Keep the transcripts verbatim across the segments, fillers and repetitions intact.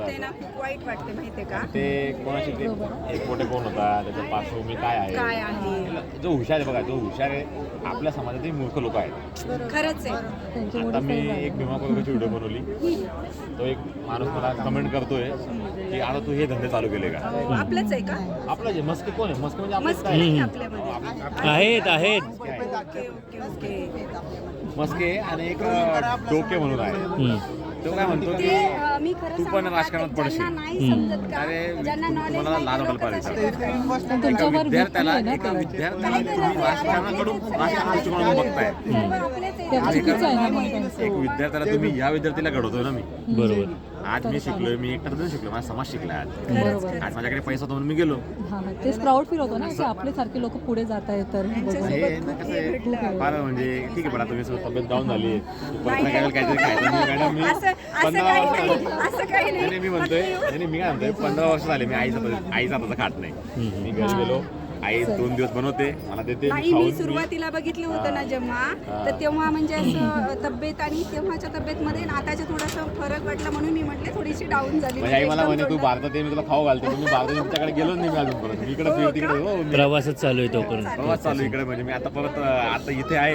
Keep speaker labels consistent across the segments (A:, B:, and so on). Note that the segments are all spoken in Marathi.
A: वाटते ना, खूप वाईट वाटते माहितीये का.
B: ते कोणाशी ते एक मोठे कोण होता, त्याच्या पार्श्वभूमी काय आहे,
A: काय आहे
B: जो हुशार आहे बघा, जो हुशार आहे आपल्या समाजातील मूर्ख लोक आहेत.
A: खरंच आहे.
B: आता मी एक भीमा कोरेगावची व्हिडिओ बनवली, तो एक माणूस मला कमेंट करतोय की आता तू हे धंदे चालू केले का.
A: आपलंच आहे का.
B: आपलं जे मस्के कोण आहे, मस्के म्हणजे
A: मस्त
B: आपलं
A: नाही आपल्यामध्ये.
C: आहेत आहेत
A: ओके ओके ओके.
B: मस्के आणि एक डोके म्हणून आहे. तो काय म्हणतो की
A: ते अ, मी खरं
B: तू पण
A: सांगू का,
B: राजकारणात
A: ज्यांना
B: पडशील.
A: नाही समजत का,
B: अरे
A: ज्यांना knowledge
B: तुम्हाला
A: नाही
B: लाज
A: ते
B: वाटायला
A: लोकं
B: पाहिजे.
A: तसे करतात.
B: एका
C: तुमच्यावर
B: विद्यार्थ्याला
C: भीती आहे
B: एका
C: ना
B: विद्यार्थ्याला तुम्ही राजकारणाकडून राजकारणाच्या दृष्टिकोनातून बघताय.
A: सर्व आपलेच आहे.
C: ते चुकीचं आहे ना मग
B: एक
C: त्यांचं.
B: विद्यार्थ्याला तुम्ही या विद्यार्थीला घडवतोय ना मी.
C: बरोबर.
B: आज मी शिकलोय, मी एकटा नाही शिकलो, माझा समाज शिकला आज.
C: बरोबर.
B: आज माझ्याकडे पैसा होता म्हणून मी गेलो.
C: हा हा तेच प्राऊड फील होतं ना की आपले सारखे लोक पुढे जात आहेत तर बघून.
B: हे ना कसं आहे, फार म्हणजे ठीक आहे पण आता मी तब्येत डाऊन झाली, परत नाही काहीतरी खायचं. मी मॅडम मी
A: असं असं
B: पंधरा
A: काही
B: वर्ष
A: नाही, असं काही
B: नाही
A: नाही.
B: मी म्हणतोय नाही मी काय म्हणतोय पंधरा वर्ष झाले मी आईचा आईचा हाताचा खात नाही. मी घरी गेलो, आई दोन दिवस बनवते, मला देते,
A: नाही,
B: खाऊन
A: मी
B: मी-
A: सुरुवातीला बघितलं होतं ना जेव्हा,
B: हा.
A: तर तेव्हा म्हणजे असं तब्येत आणि तेव्हाच्या तब्येतमध्ये आणि आताच्या थोडासा फरक वाटला म्हणून मी म्हटले थोडीशी डाऊन झाली.
B: म्हणजे आई मला
A: एकदम
B: म्हणे तू
A: तोंडात.
B: भारतात ये, मी तुला खाऊ घालते. मी भारतात तुमच्याकडे गेलो नाही मी अजून परत. मी इकडे फिर तिकडे हो मी
C: प्रवासच चालू आहे तोपर्यंत.
B: प्रवास चालू इकडे. म्हणजे मी आता परत अं, आता इथे आहे.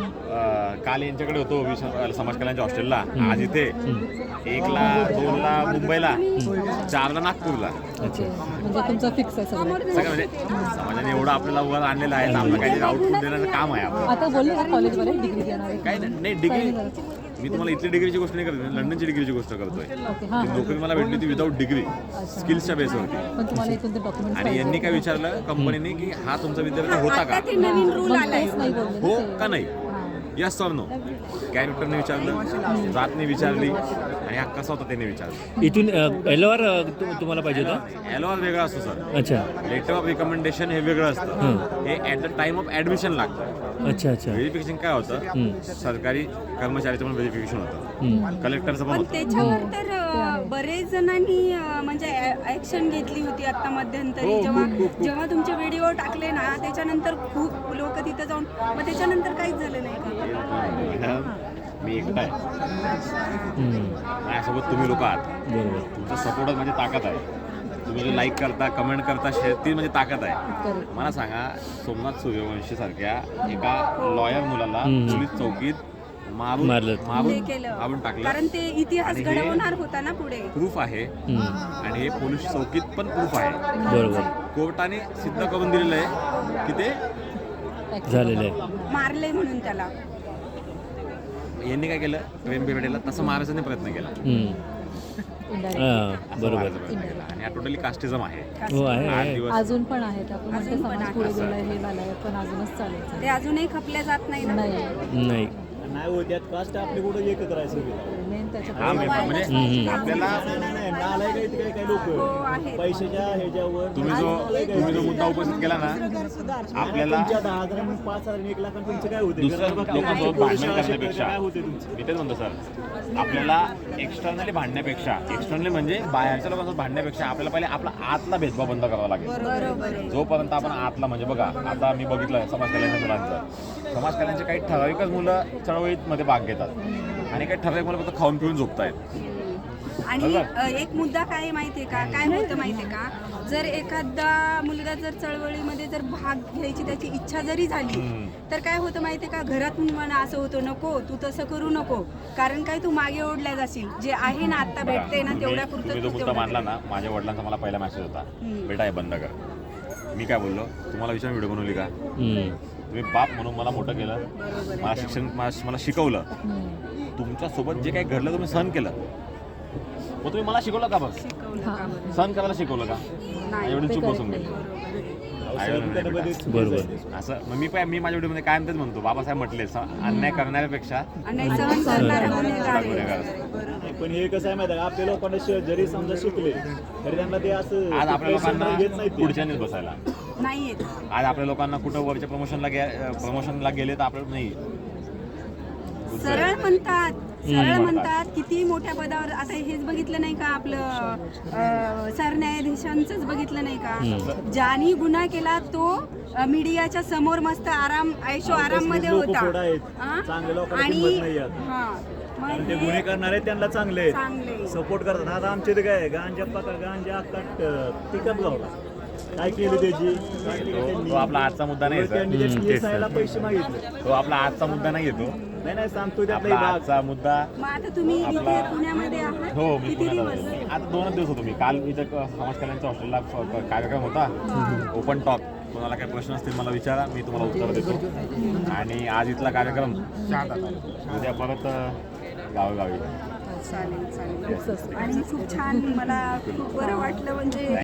B: अं, काल यांच्याकडे होतो विश्व समाज कल्याणच्या हॉस्टेलला, आज इथे एकला दोनला मुंबईला, चारला नागपूरला.
C: अच्छा म्हणजे तुमचं फिक्स आहे सगळं.
B: सगळं म्हणजे समाजाने एवढं आपल्याला वर आणलेलं आहे, आपलं काहीतरी आउटपुट देण्याचं काम आहे आपलं.
C: आता बोलले का कॉलेजमध्ये डिग्री देणार आहे?
B: काही नाही नाही, डिग्री मी तुम्हाला इथली डिग्रीची गोष्ट नाही करत, मी लंडनची डिग्रीची गोष्ट करतोय.
C: ओके हां
B: ती नोकरी मला भेटली ती विदाऊट डिग्री, स्किल्सच्या बेसवरती.
C: पण तुम्हाला इथून ते डॉक्युमेंट
B: आणि यांनी काय विचारलं कंपनीने की हा तुमचा विद्यार्थी होता का,
A: आता ते नवीन रूल आलाय.
C: नाही बोलले ना
B: हो
C: ते.
B: का नाही, यस ऑर नो. कॅरेक्टरने विचारलं, जातने विचारली आणि हा कसा होता त्याने विचारलं.
C: इथून एल आर तुम्हाला पाहिजे होतं.
B: एलओआर वेगळा असतो सर,
C: अच्छा
B: लेटर ऑफ रिकमेंडेशन हे वेगळं असतं. हे at the time of admission लागतं.
C: अच्छा अच्छा
B: व्हेरिफिकेशन काय होतं, सरकारी कर्मचाऱ्याचं पण व्हेरिफिकेशन होतं, कलेक्टरचं पण
A: पण
B: होतं.
A: त्याच्यावर तर अ, बरेच जणांनी अ, म्हणजे ऍक्शन घेतली होती आता मध्यंतरी.
B: हो,
A: जेव्हा
B: खूप, खूप, खूप.
A: जेव्हा तुमचे व्हिडिओ टाकले ना त्याच्यानंतर खूप लोक तिथं जाऊन, मग त्याच्यानंतर काहीच झालं नाही का.
B: मॅडम, मी एकटा आहे, माझ्यासोबत तुम्ही लोक आहात.
C: बरोबर.
B: तुमचा सपोर्टच म्हणजे ताकद आहे. तुम्ही जो लाईक करता, कमेंट करता, शेअर, ती म्हणजे ताकद आहे. मला सांगा, सोमनाथ सूर्यवंशी सारख्या एका लॉयर मुलाला पोलीस चौकीत मारून
C: मारलं.
A: हे
B: मारून
A: केलं
B: मारून टाकलं.
A: कारण ते इतिहास
B: आणि हे-
A: घडवणार होता ना पुढे.
B: प्रूफ आहे आणि हे पोलीस चौकीत पण प्रूफ आहे.
C: बरोबर
B: कोर्टाने सिद्ध करून दिलेलं आहे की ते
C: झालेलं आहे.
A: मारले म्हणून त्याला.
B: यांनी काय केलं, प्रेम बिरडेला तसं मारायचा प्रयत्न केला.
C: हम्म. हां बरोबर.
B: मारायचा प्रयत्न केला. आणि हा टोटली कास्टिझम आहे.
C: हो आहे
B: आठ
C: आहे.
B: दिवस
C: अजून पण आहेत. आपण म्हणतो
A: अजून पण
C: समाज
A: आहे.
C: पुढे गेलाय हे झालंय पण अजूनच चालायचं
A: ते अजूनही खपल्या जात नाही ना.
C: नाही नाही
D: नाही हो, त्यात कास्ट आपली कुठं एकच राहायचं.
C: मेन त्याच्या
B: हा मेन म्हणजे आपल्याला
D: नालाय काही काही काही
A: हो
D: लोक
A: आहे.
D: पैशाच्या ह्याच्यावर
B: तुम्ही जो तुम्ही जो मुद्दा उपस्थित केला ना, आपल्याला
D: तुमच्या दहा हजार म्हणून पाच हजार आणि एक लाख तुमचं काय होते
B: दुसऱ्या लोकांसोबत भांडण करण्यापेक्षा,
D: काय होते तुमचं.
B: मी तेच म्हणतो सर, आपल्याला एक्सटर्नली भांडण्यापेक्षा, एक्सटर्नली म्हणजे बाहेरच्या लोकांसोबत भांडण्यापेक्षा आपल्याला पहिले आपला आतला भेदभाव बंद करावा लागेल.
A: बरोबर आहे.
B: जोपर्यंत आपण आतला म्हणजे बघा, आता मी बघितलं समाज कल्याणच्या मुलांचं, समाज कल्याणचे काही ठराविकच मुलं चळवळीमध्ये भाग घेतात आणि काही ठराविक मुलं फक्त खाऊन पिऊन झोपतायत.
A: आणि अ, एक मुद्दा काय आहे माहितीये का, काय होतं माहितीये का, जर एखादा मुलगा जर चळवळीमध्ये जर भाग घ्यायची त्याची इच्छा जरी झाली
B: हम्म.
A: तर काय होतं माहितीये का, घरातून म्हणा असं होतं, नको तू तसं करू नको, कारण काय तू मागे ओढल्या जाशील. जे आहे ना आता भेटते ना
B: तुम्ही
A: तेवढ्या
B: तुम्ही
A: पुरतं
B: जो
A: तू
B: मुद्दा
A: तेवढं
B: मांडला
A: कर.
B: ना, माझ्या वडिलांचा मला पहिला मेसेज होता,
A: हम्म.
B: बेटा हे बंद कर. मी काय बोललो, तुम्हाला विचार व्हिडिओ बनवली का,
C: हम्म.
B: तुम्ही बाप म्हणून मला मोठं केलं,
A: बरोबर आहे.
B: मला शिक्षण मला मला शिकवलं, तुमच्यासोबत जे काही घडलं तुम्ही सहन केलं, मग तुम्ही मला शिकवलं का, बघ
A: शिकवलं का बरं?
B: सहन करायला शिकवलं का,
A: नाही.
B: एवढी चूक बसून गेली.
C: बरोबर.
B: असं मग मी काय मी माझ्या व्हिडिओमध्ये काय तेच म्हणतो, बाबासाहेब म्हटले स- अन्याय करणाऱ्यापेक्षा
A: आणि सहन करणारा गुन्हेगार आहे.
B: गुन्हेगार.
A: बरोबर.
D: पण हे कसं आहे माहिती आहे का, आपल्या लोकांना श- जरी समजा शिकले तरी त्यांना ते असं
B: आज आपल्या लोकांना
D: घेत नाही ते.
B: पुढच्यानेच बसायला.
A: नाही येत.
B: आज आपल्या लोकांना कुठं वरच्या प्रमोशनला गे प्रमोशनला गेले तर आपल्याला नाही.
A: सरळ म्हणतात, सरळ म्हणतात, किती मोठ्या पदावर. आता हेच बघितलं नाही का आपलं अ, सरन्यायाधीशांचंच बघितलं नाही का, ज्यानी गुन्हा केला तो अ, मीडियाच्या समोर मस्त आराम ऐशो आराम मध्ये
D: लोकं
A: होता.
D: थोडं आहेत.
A: हा?
D: चांगल्या लोकांना
A: आणि
D: किंमत नाही आहे.
A: हा
D: कारण ते गुन्हे करणारे त्यांना चांगले
A: चांगले.
D: सपोर्ट करतात. आता आमच्या इथे काय गांजा पका गांजा अक्काट पिकअप गावला काय केलं त्याची काय केलं
B: तो-
D: त्यांनी?
B: तो आपला आजचा मुद्दा नाही सर.
D: त्यांनी त्या P S I ला पैसे मागितले.
B: तो आपला आजचा मुद्दा नाही येतो.
D: नाही नाही सांगतो त्यातला
B: आपला
D: एक भाग.
B: आजचा मुद्दा
A: मग आता तुम्ही इथे
B: आपला-
A: पुण्यामध्ये आहात
B: हो मी
A: किती
B: पुण्यात
A: दिवस
B: आलो. आता दोनच दिवस होतो मी. काल इथं क- समाज कल्याणच्या हॉस्टेलला फ- फ- कार्यक्रम होता ओपन टॉक. कोणाला काही प्रश्न असतील मला विचारा, मी तुम्हाला उत्तर देतो. आणि आज इथला कार्यक्रम उद्या परत अ, गावोगावी.
A: चालेल चालेल आणि खूप छान मला खूप बरं वाटलं म्हणजे